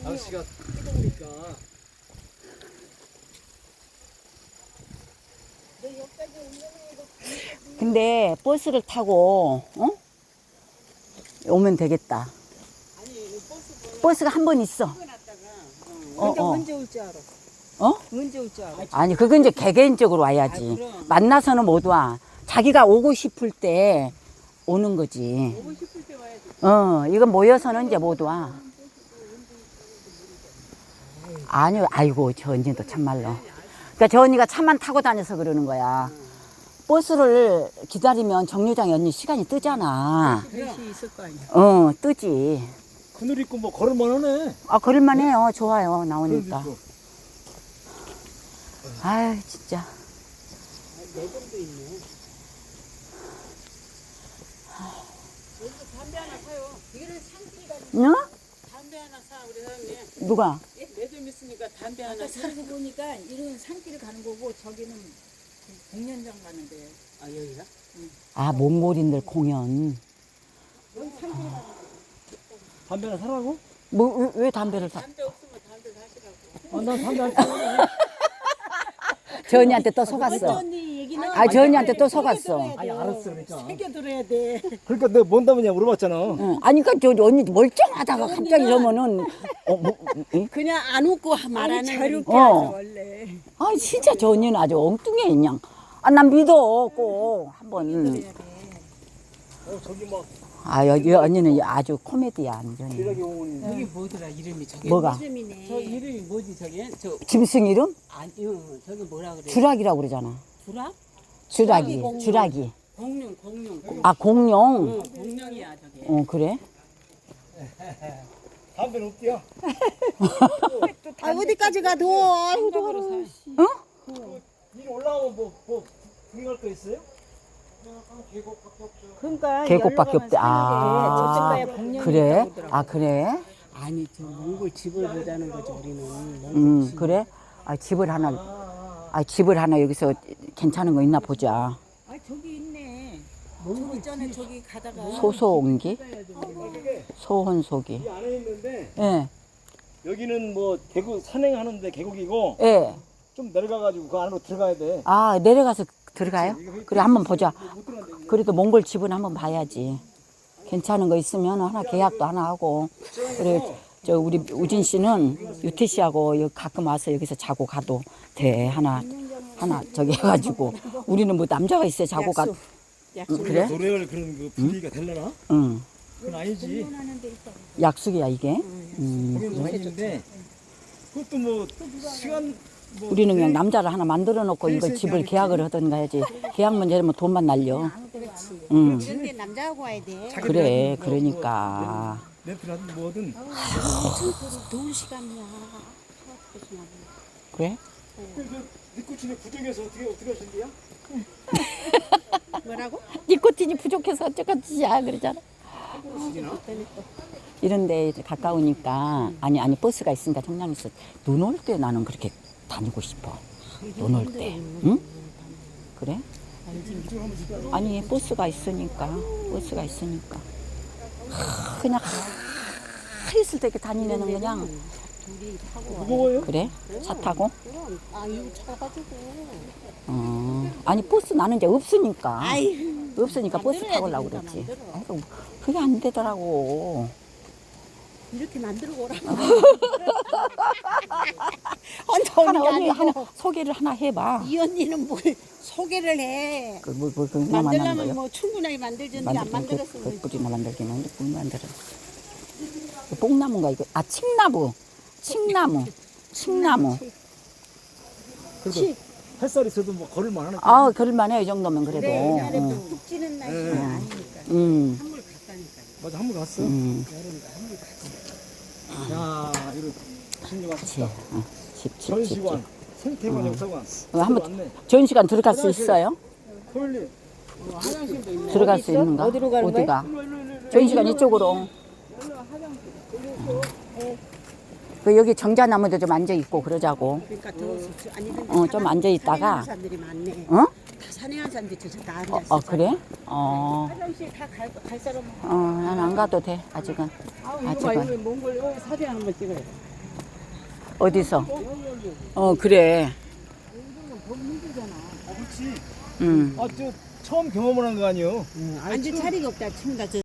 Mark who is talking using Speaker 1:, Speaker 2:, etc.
Speaker 1: 날씨가 뜨거우니까.
Speaker 2: 근데 버스를 타고 오면 되겠다. 버스가 한 번 있어.
Speaker 3: 근데 언제 올 줄 알아? 언제 올 줄 알아?
Speaker 2: 아니 그건 이제 개개인적으로 와야지. 만나서는 못 와. 자기가 오고 싶을 때 오는 거지.
Speaker 3: 오고 싶을 때 와야지.
Speaker 2: 이건 모여서는 이제 못 와. 아니요, 아이고 저 언니도 참말로. 그러니까 저 언니가 차만 타고 다녀서 그러는 거야. 버스를 기다리면 정류장에 언니 시간이 뜨잖아.
Speaker 3: 그릇이 있을 거 아니야.
Speaker 2: 뜨지.
Speaker 1: 그늘 있고 뭐 걸을만 하네.
Speaker 2: 아, 그럴만 해요. 좋아요. 나오니까.
Speaker 1: 그래도
Speaker 2: 아유, 진짜.
Speaker 3: 매점도 있네. 여기서 담배 하나 사요. 이거는 상기가
Speaker 2: 응?
Speaker 3: 담배 하나 사 우리 사장님.
Speaker 2: 누가?
Speaker 3: 매점 있으니까 담배 하나 사. 아까 보니까 이런 산길을 가는 거고 저기는 공연장 가는 데예요. 아 여기가?
Speaker 2: 아, 몽골인들 공연.
Speaker 3: 여기 산길을 가는 거.
Speaker 1: 담배 하나 사라고?
Speaker 2: 뭐, 왜 담배를 사?
Speaker 3: 담배 없으면 담배 사시라고.
Speaker 1: 난 담배 안 사는데.
Speaker 2: 저 언니한테 또 속았어.
Speaker 3: 언니 얘기는
Speaker 2: 아, 저 언니한테 또 속았어.
Speaker 1: 아니 알았어 그러니까.
Speaker 3: 새겨 들어야 돼.
Speaker 1: 그러니까 내가 뭔 담배냐 물어봤잖아.
Speaker 2: 응. 아니, 그니까 저 언니 멀쩡하다가 갑자기 저러면은,
Speaker 3: 그냥 안 웃고 말하는 자유롭게
Speaker 2: 거니까.
Speaker 3: 하죠 원래.
Speaker 2: 아, 진짜 저 언니는 아주 엉뚱해, 그냥. 아, 난 믿어, 꼭. 한번.
Speaker 1: 저기 막
Speaker 2: 아, 여기 언니는 아주 코미디야, 완전히.
Speaker 1: 기라기 공원이.
Speaker 3: 여기 뭐더라 이름이 저게?
Speaker 2: 뭐가?
Speaker 3: 저 이름이 뭐지 저게? 저
Speaker 2: 짐승 이름?
Speaker 3: 아니요 저기 뭐라 그래?
Speaker 2: 주락이라고 그러잖아.
Speaker 3: 주락?
Speaker 2: 주락이,
Speaker 3: 공룡.
Speaker 2: 주락이.
Speaker 3: 공룡.
Speaker 2: 아, 공룡.
Speaker 3: 응, 공룡이야 저게.
Speaker 2: 그래?
Speaker 1: 담배는 없디야.
Speaker 3: 아 어디까지 가 도? 아이고 더러.
Speaker 1: 일 올라오면 뭐 구경할 거 있어요?
Speaker 3: 그러니까
Speaker 2: 계곡밖에 없대. 아, 그래? 아, 그래?
Speaker 3: 아니 저 몽골 집을 보자는 거지 우리는.
Speaker 2: 그래? 아, 집을 하나 여기서 괜찮은 거 있나 보자.
Speaker 3: 아 저기 있네. 몽골 전에 저기 가다가
Speaker 2: 소소옹기?
Speaker 1: 그게
Speaker 2: 소혼소기.
Speaker 1: 이 안에 있는데
Speaker 2: 예,
Speaker 1: 여기는 뭐 계곡 산행하는데 계곡이고
Speaker 2: 예.
Speaker 1: 좀 내려가가지고 그 안으로 들어가야 돼.
Speaker 2: 아, 내려가서 들어가요? 그래, 한번 보자.
Speaker 1: 못 들어간대.
Speaker 2: 그래도 몽골 집은 한번 봐야지. 괜찮은 거 있으면 하나 계약도 하나 하고. 그래, 저 우리 우진 씨는 유태 씨하고 여기 가끔 와서 여기서 자고 가도 돼. 하나 저기 해가지고. 우리는 뭐 남자가 있어야 자고 가. 그래?
Speaker 1: 노래할 그런 그 분위기가 되려나?
Speaker 2: 응.
Speaker 1: 그건 아니지.
Speaker 2: 약속이야 이게.
Speaker 1: 공연 많이 있는데 그것도 뭐 시간 뭐
Speaker 2: 우리는 그냥 남자를 하나 만들어 놓고 이걸 집을 계약을 하든가 해야지. 계약 문제면 돈만 날려. 응.
Speaker 3: 그런데 남자하고 와야 돼.
Speaker 2: 그래, 그러니까.
Speaker 1: 렌트라든 뭐든
Speaker 3: 좋은 시간이야.
Speaker 2: 그래?
Speaker 1: 니코틴이 부족해서 어떻게 하신 거야?
Speaker 3: 뭐라고?
Speaker 2: 니코틴이 부족해서 어쩌겠지야 그러잖아. 이런데 가까우니까 아니 버스가 있으니까 청량에서 눈 올 때 나는 그렇게 다니고 싶어. 눈 올 때, 응? 그래? 아니 버스가 있으니까 그냥 있을 때 이렇게 다니면은 그냥
Speaker 1: 무거워요?
Speaker 2: 그래? 차 타고?
Speaker 3: 아 이거 차가지고.
Speaker 2: 아니 버스 나는 이제 없으니까.
Speaker 3: 아이고.
Speaker 2: 없으니까 버스 타고 오려고 그랬지. 아이고, 그게 안 되더라고.
Speaker 3: 이렇게 만들고 오라고.
Speaker 2: 언니 하나 소개를 하나 해봐.
Speaker 3: 이 언니는 뭘 소개를 해.
Speaker 2: 뭐 만드는
Speaker 3: 만들려면
Speaker 2: 거요?
Speaker 3: 뭐 충분하게 만들던데 안 만들었으면.
Speaker 2: 뿌리나 만들기는 뭘 만들어? 뽕나무인가 이거? 아, 칡나무.
Speaker 1: 그래도 햇살 있어도 뭐 걸을만 하네.
Speaker 2: 아, 그럴만해 이 정도면 그래도.
Speaker 3: 옛날에 푹 찌는 날씨는 아니니까. 한물 갔다니까.
Speaker 1: 맞아 한번 갔어.
Speaker 3: 여름에 한물 갔어.
Speaker 1: 야 이거 신경
Speaker 2: 그치.
Speaker 1: 왔다.
Speaker 2: 집.
Speaker 1: 전시관, 생태관, 역사관.
Speaker 2: 한번
Speaker 1: 왔네.
Speaker 2: 전시간 들어갈 수 있어요?
Speaker 1: 토요일.
Speaker 3: 화장실도 있네.
Speaker 2: 들어갈 수 있는가?
Speaker 3: 어디로 가는
Speaker 2: 어디가? 전시간 이쪽으로. 그 여기 정자나무도 좀 앉아 있고 그러자고.
Speaker 3: 그러니까 더 아니 근데
Speaker 2: 좀 앉아 있다가.
Speaker 3: 산행하는 사람들이 많네.
Speaker 2: 어?
Speaker 3: 다 산행하는 사람들이 저다 앉았어.
Speaker 2: 그래?
Speaker 3: 화장실 다 갈 사람.
Speaker 2: 난 안 가도 돼 아직은.
Speaker 3: 이거 봐, 이거 몽골 여기 사진 한번 찍어야 돼.
Speaker 2: 어디서? 그래.
Speaker 1: 그렇지.
Speaker 2: 응.
Speaker 1: 아, 저 처음 경험을 한 거 아니에요?
Speaker 3: 앉을 자리가 없다 친다 저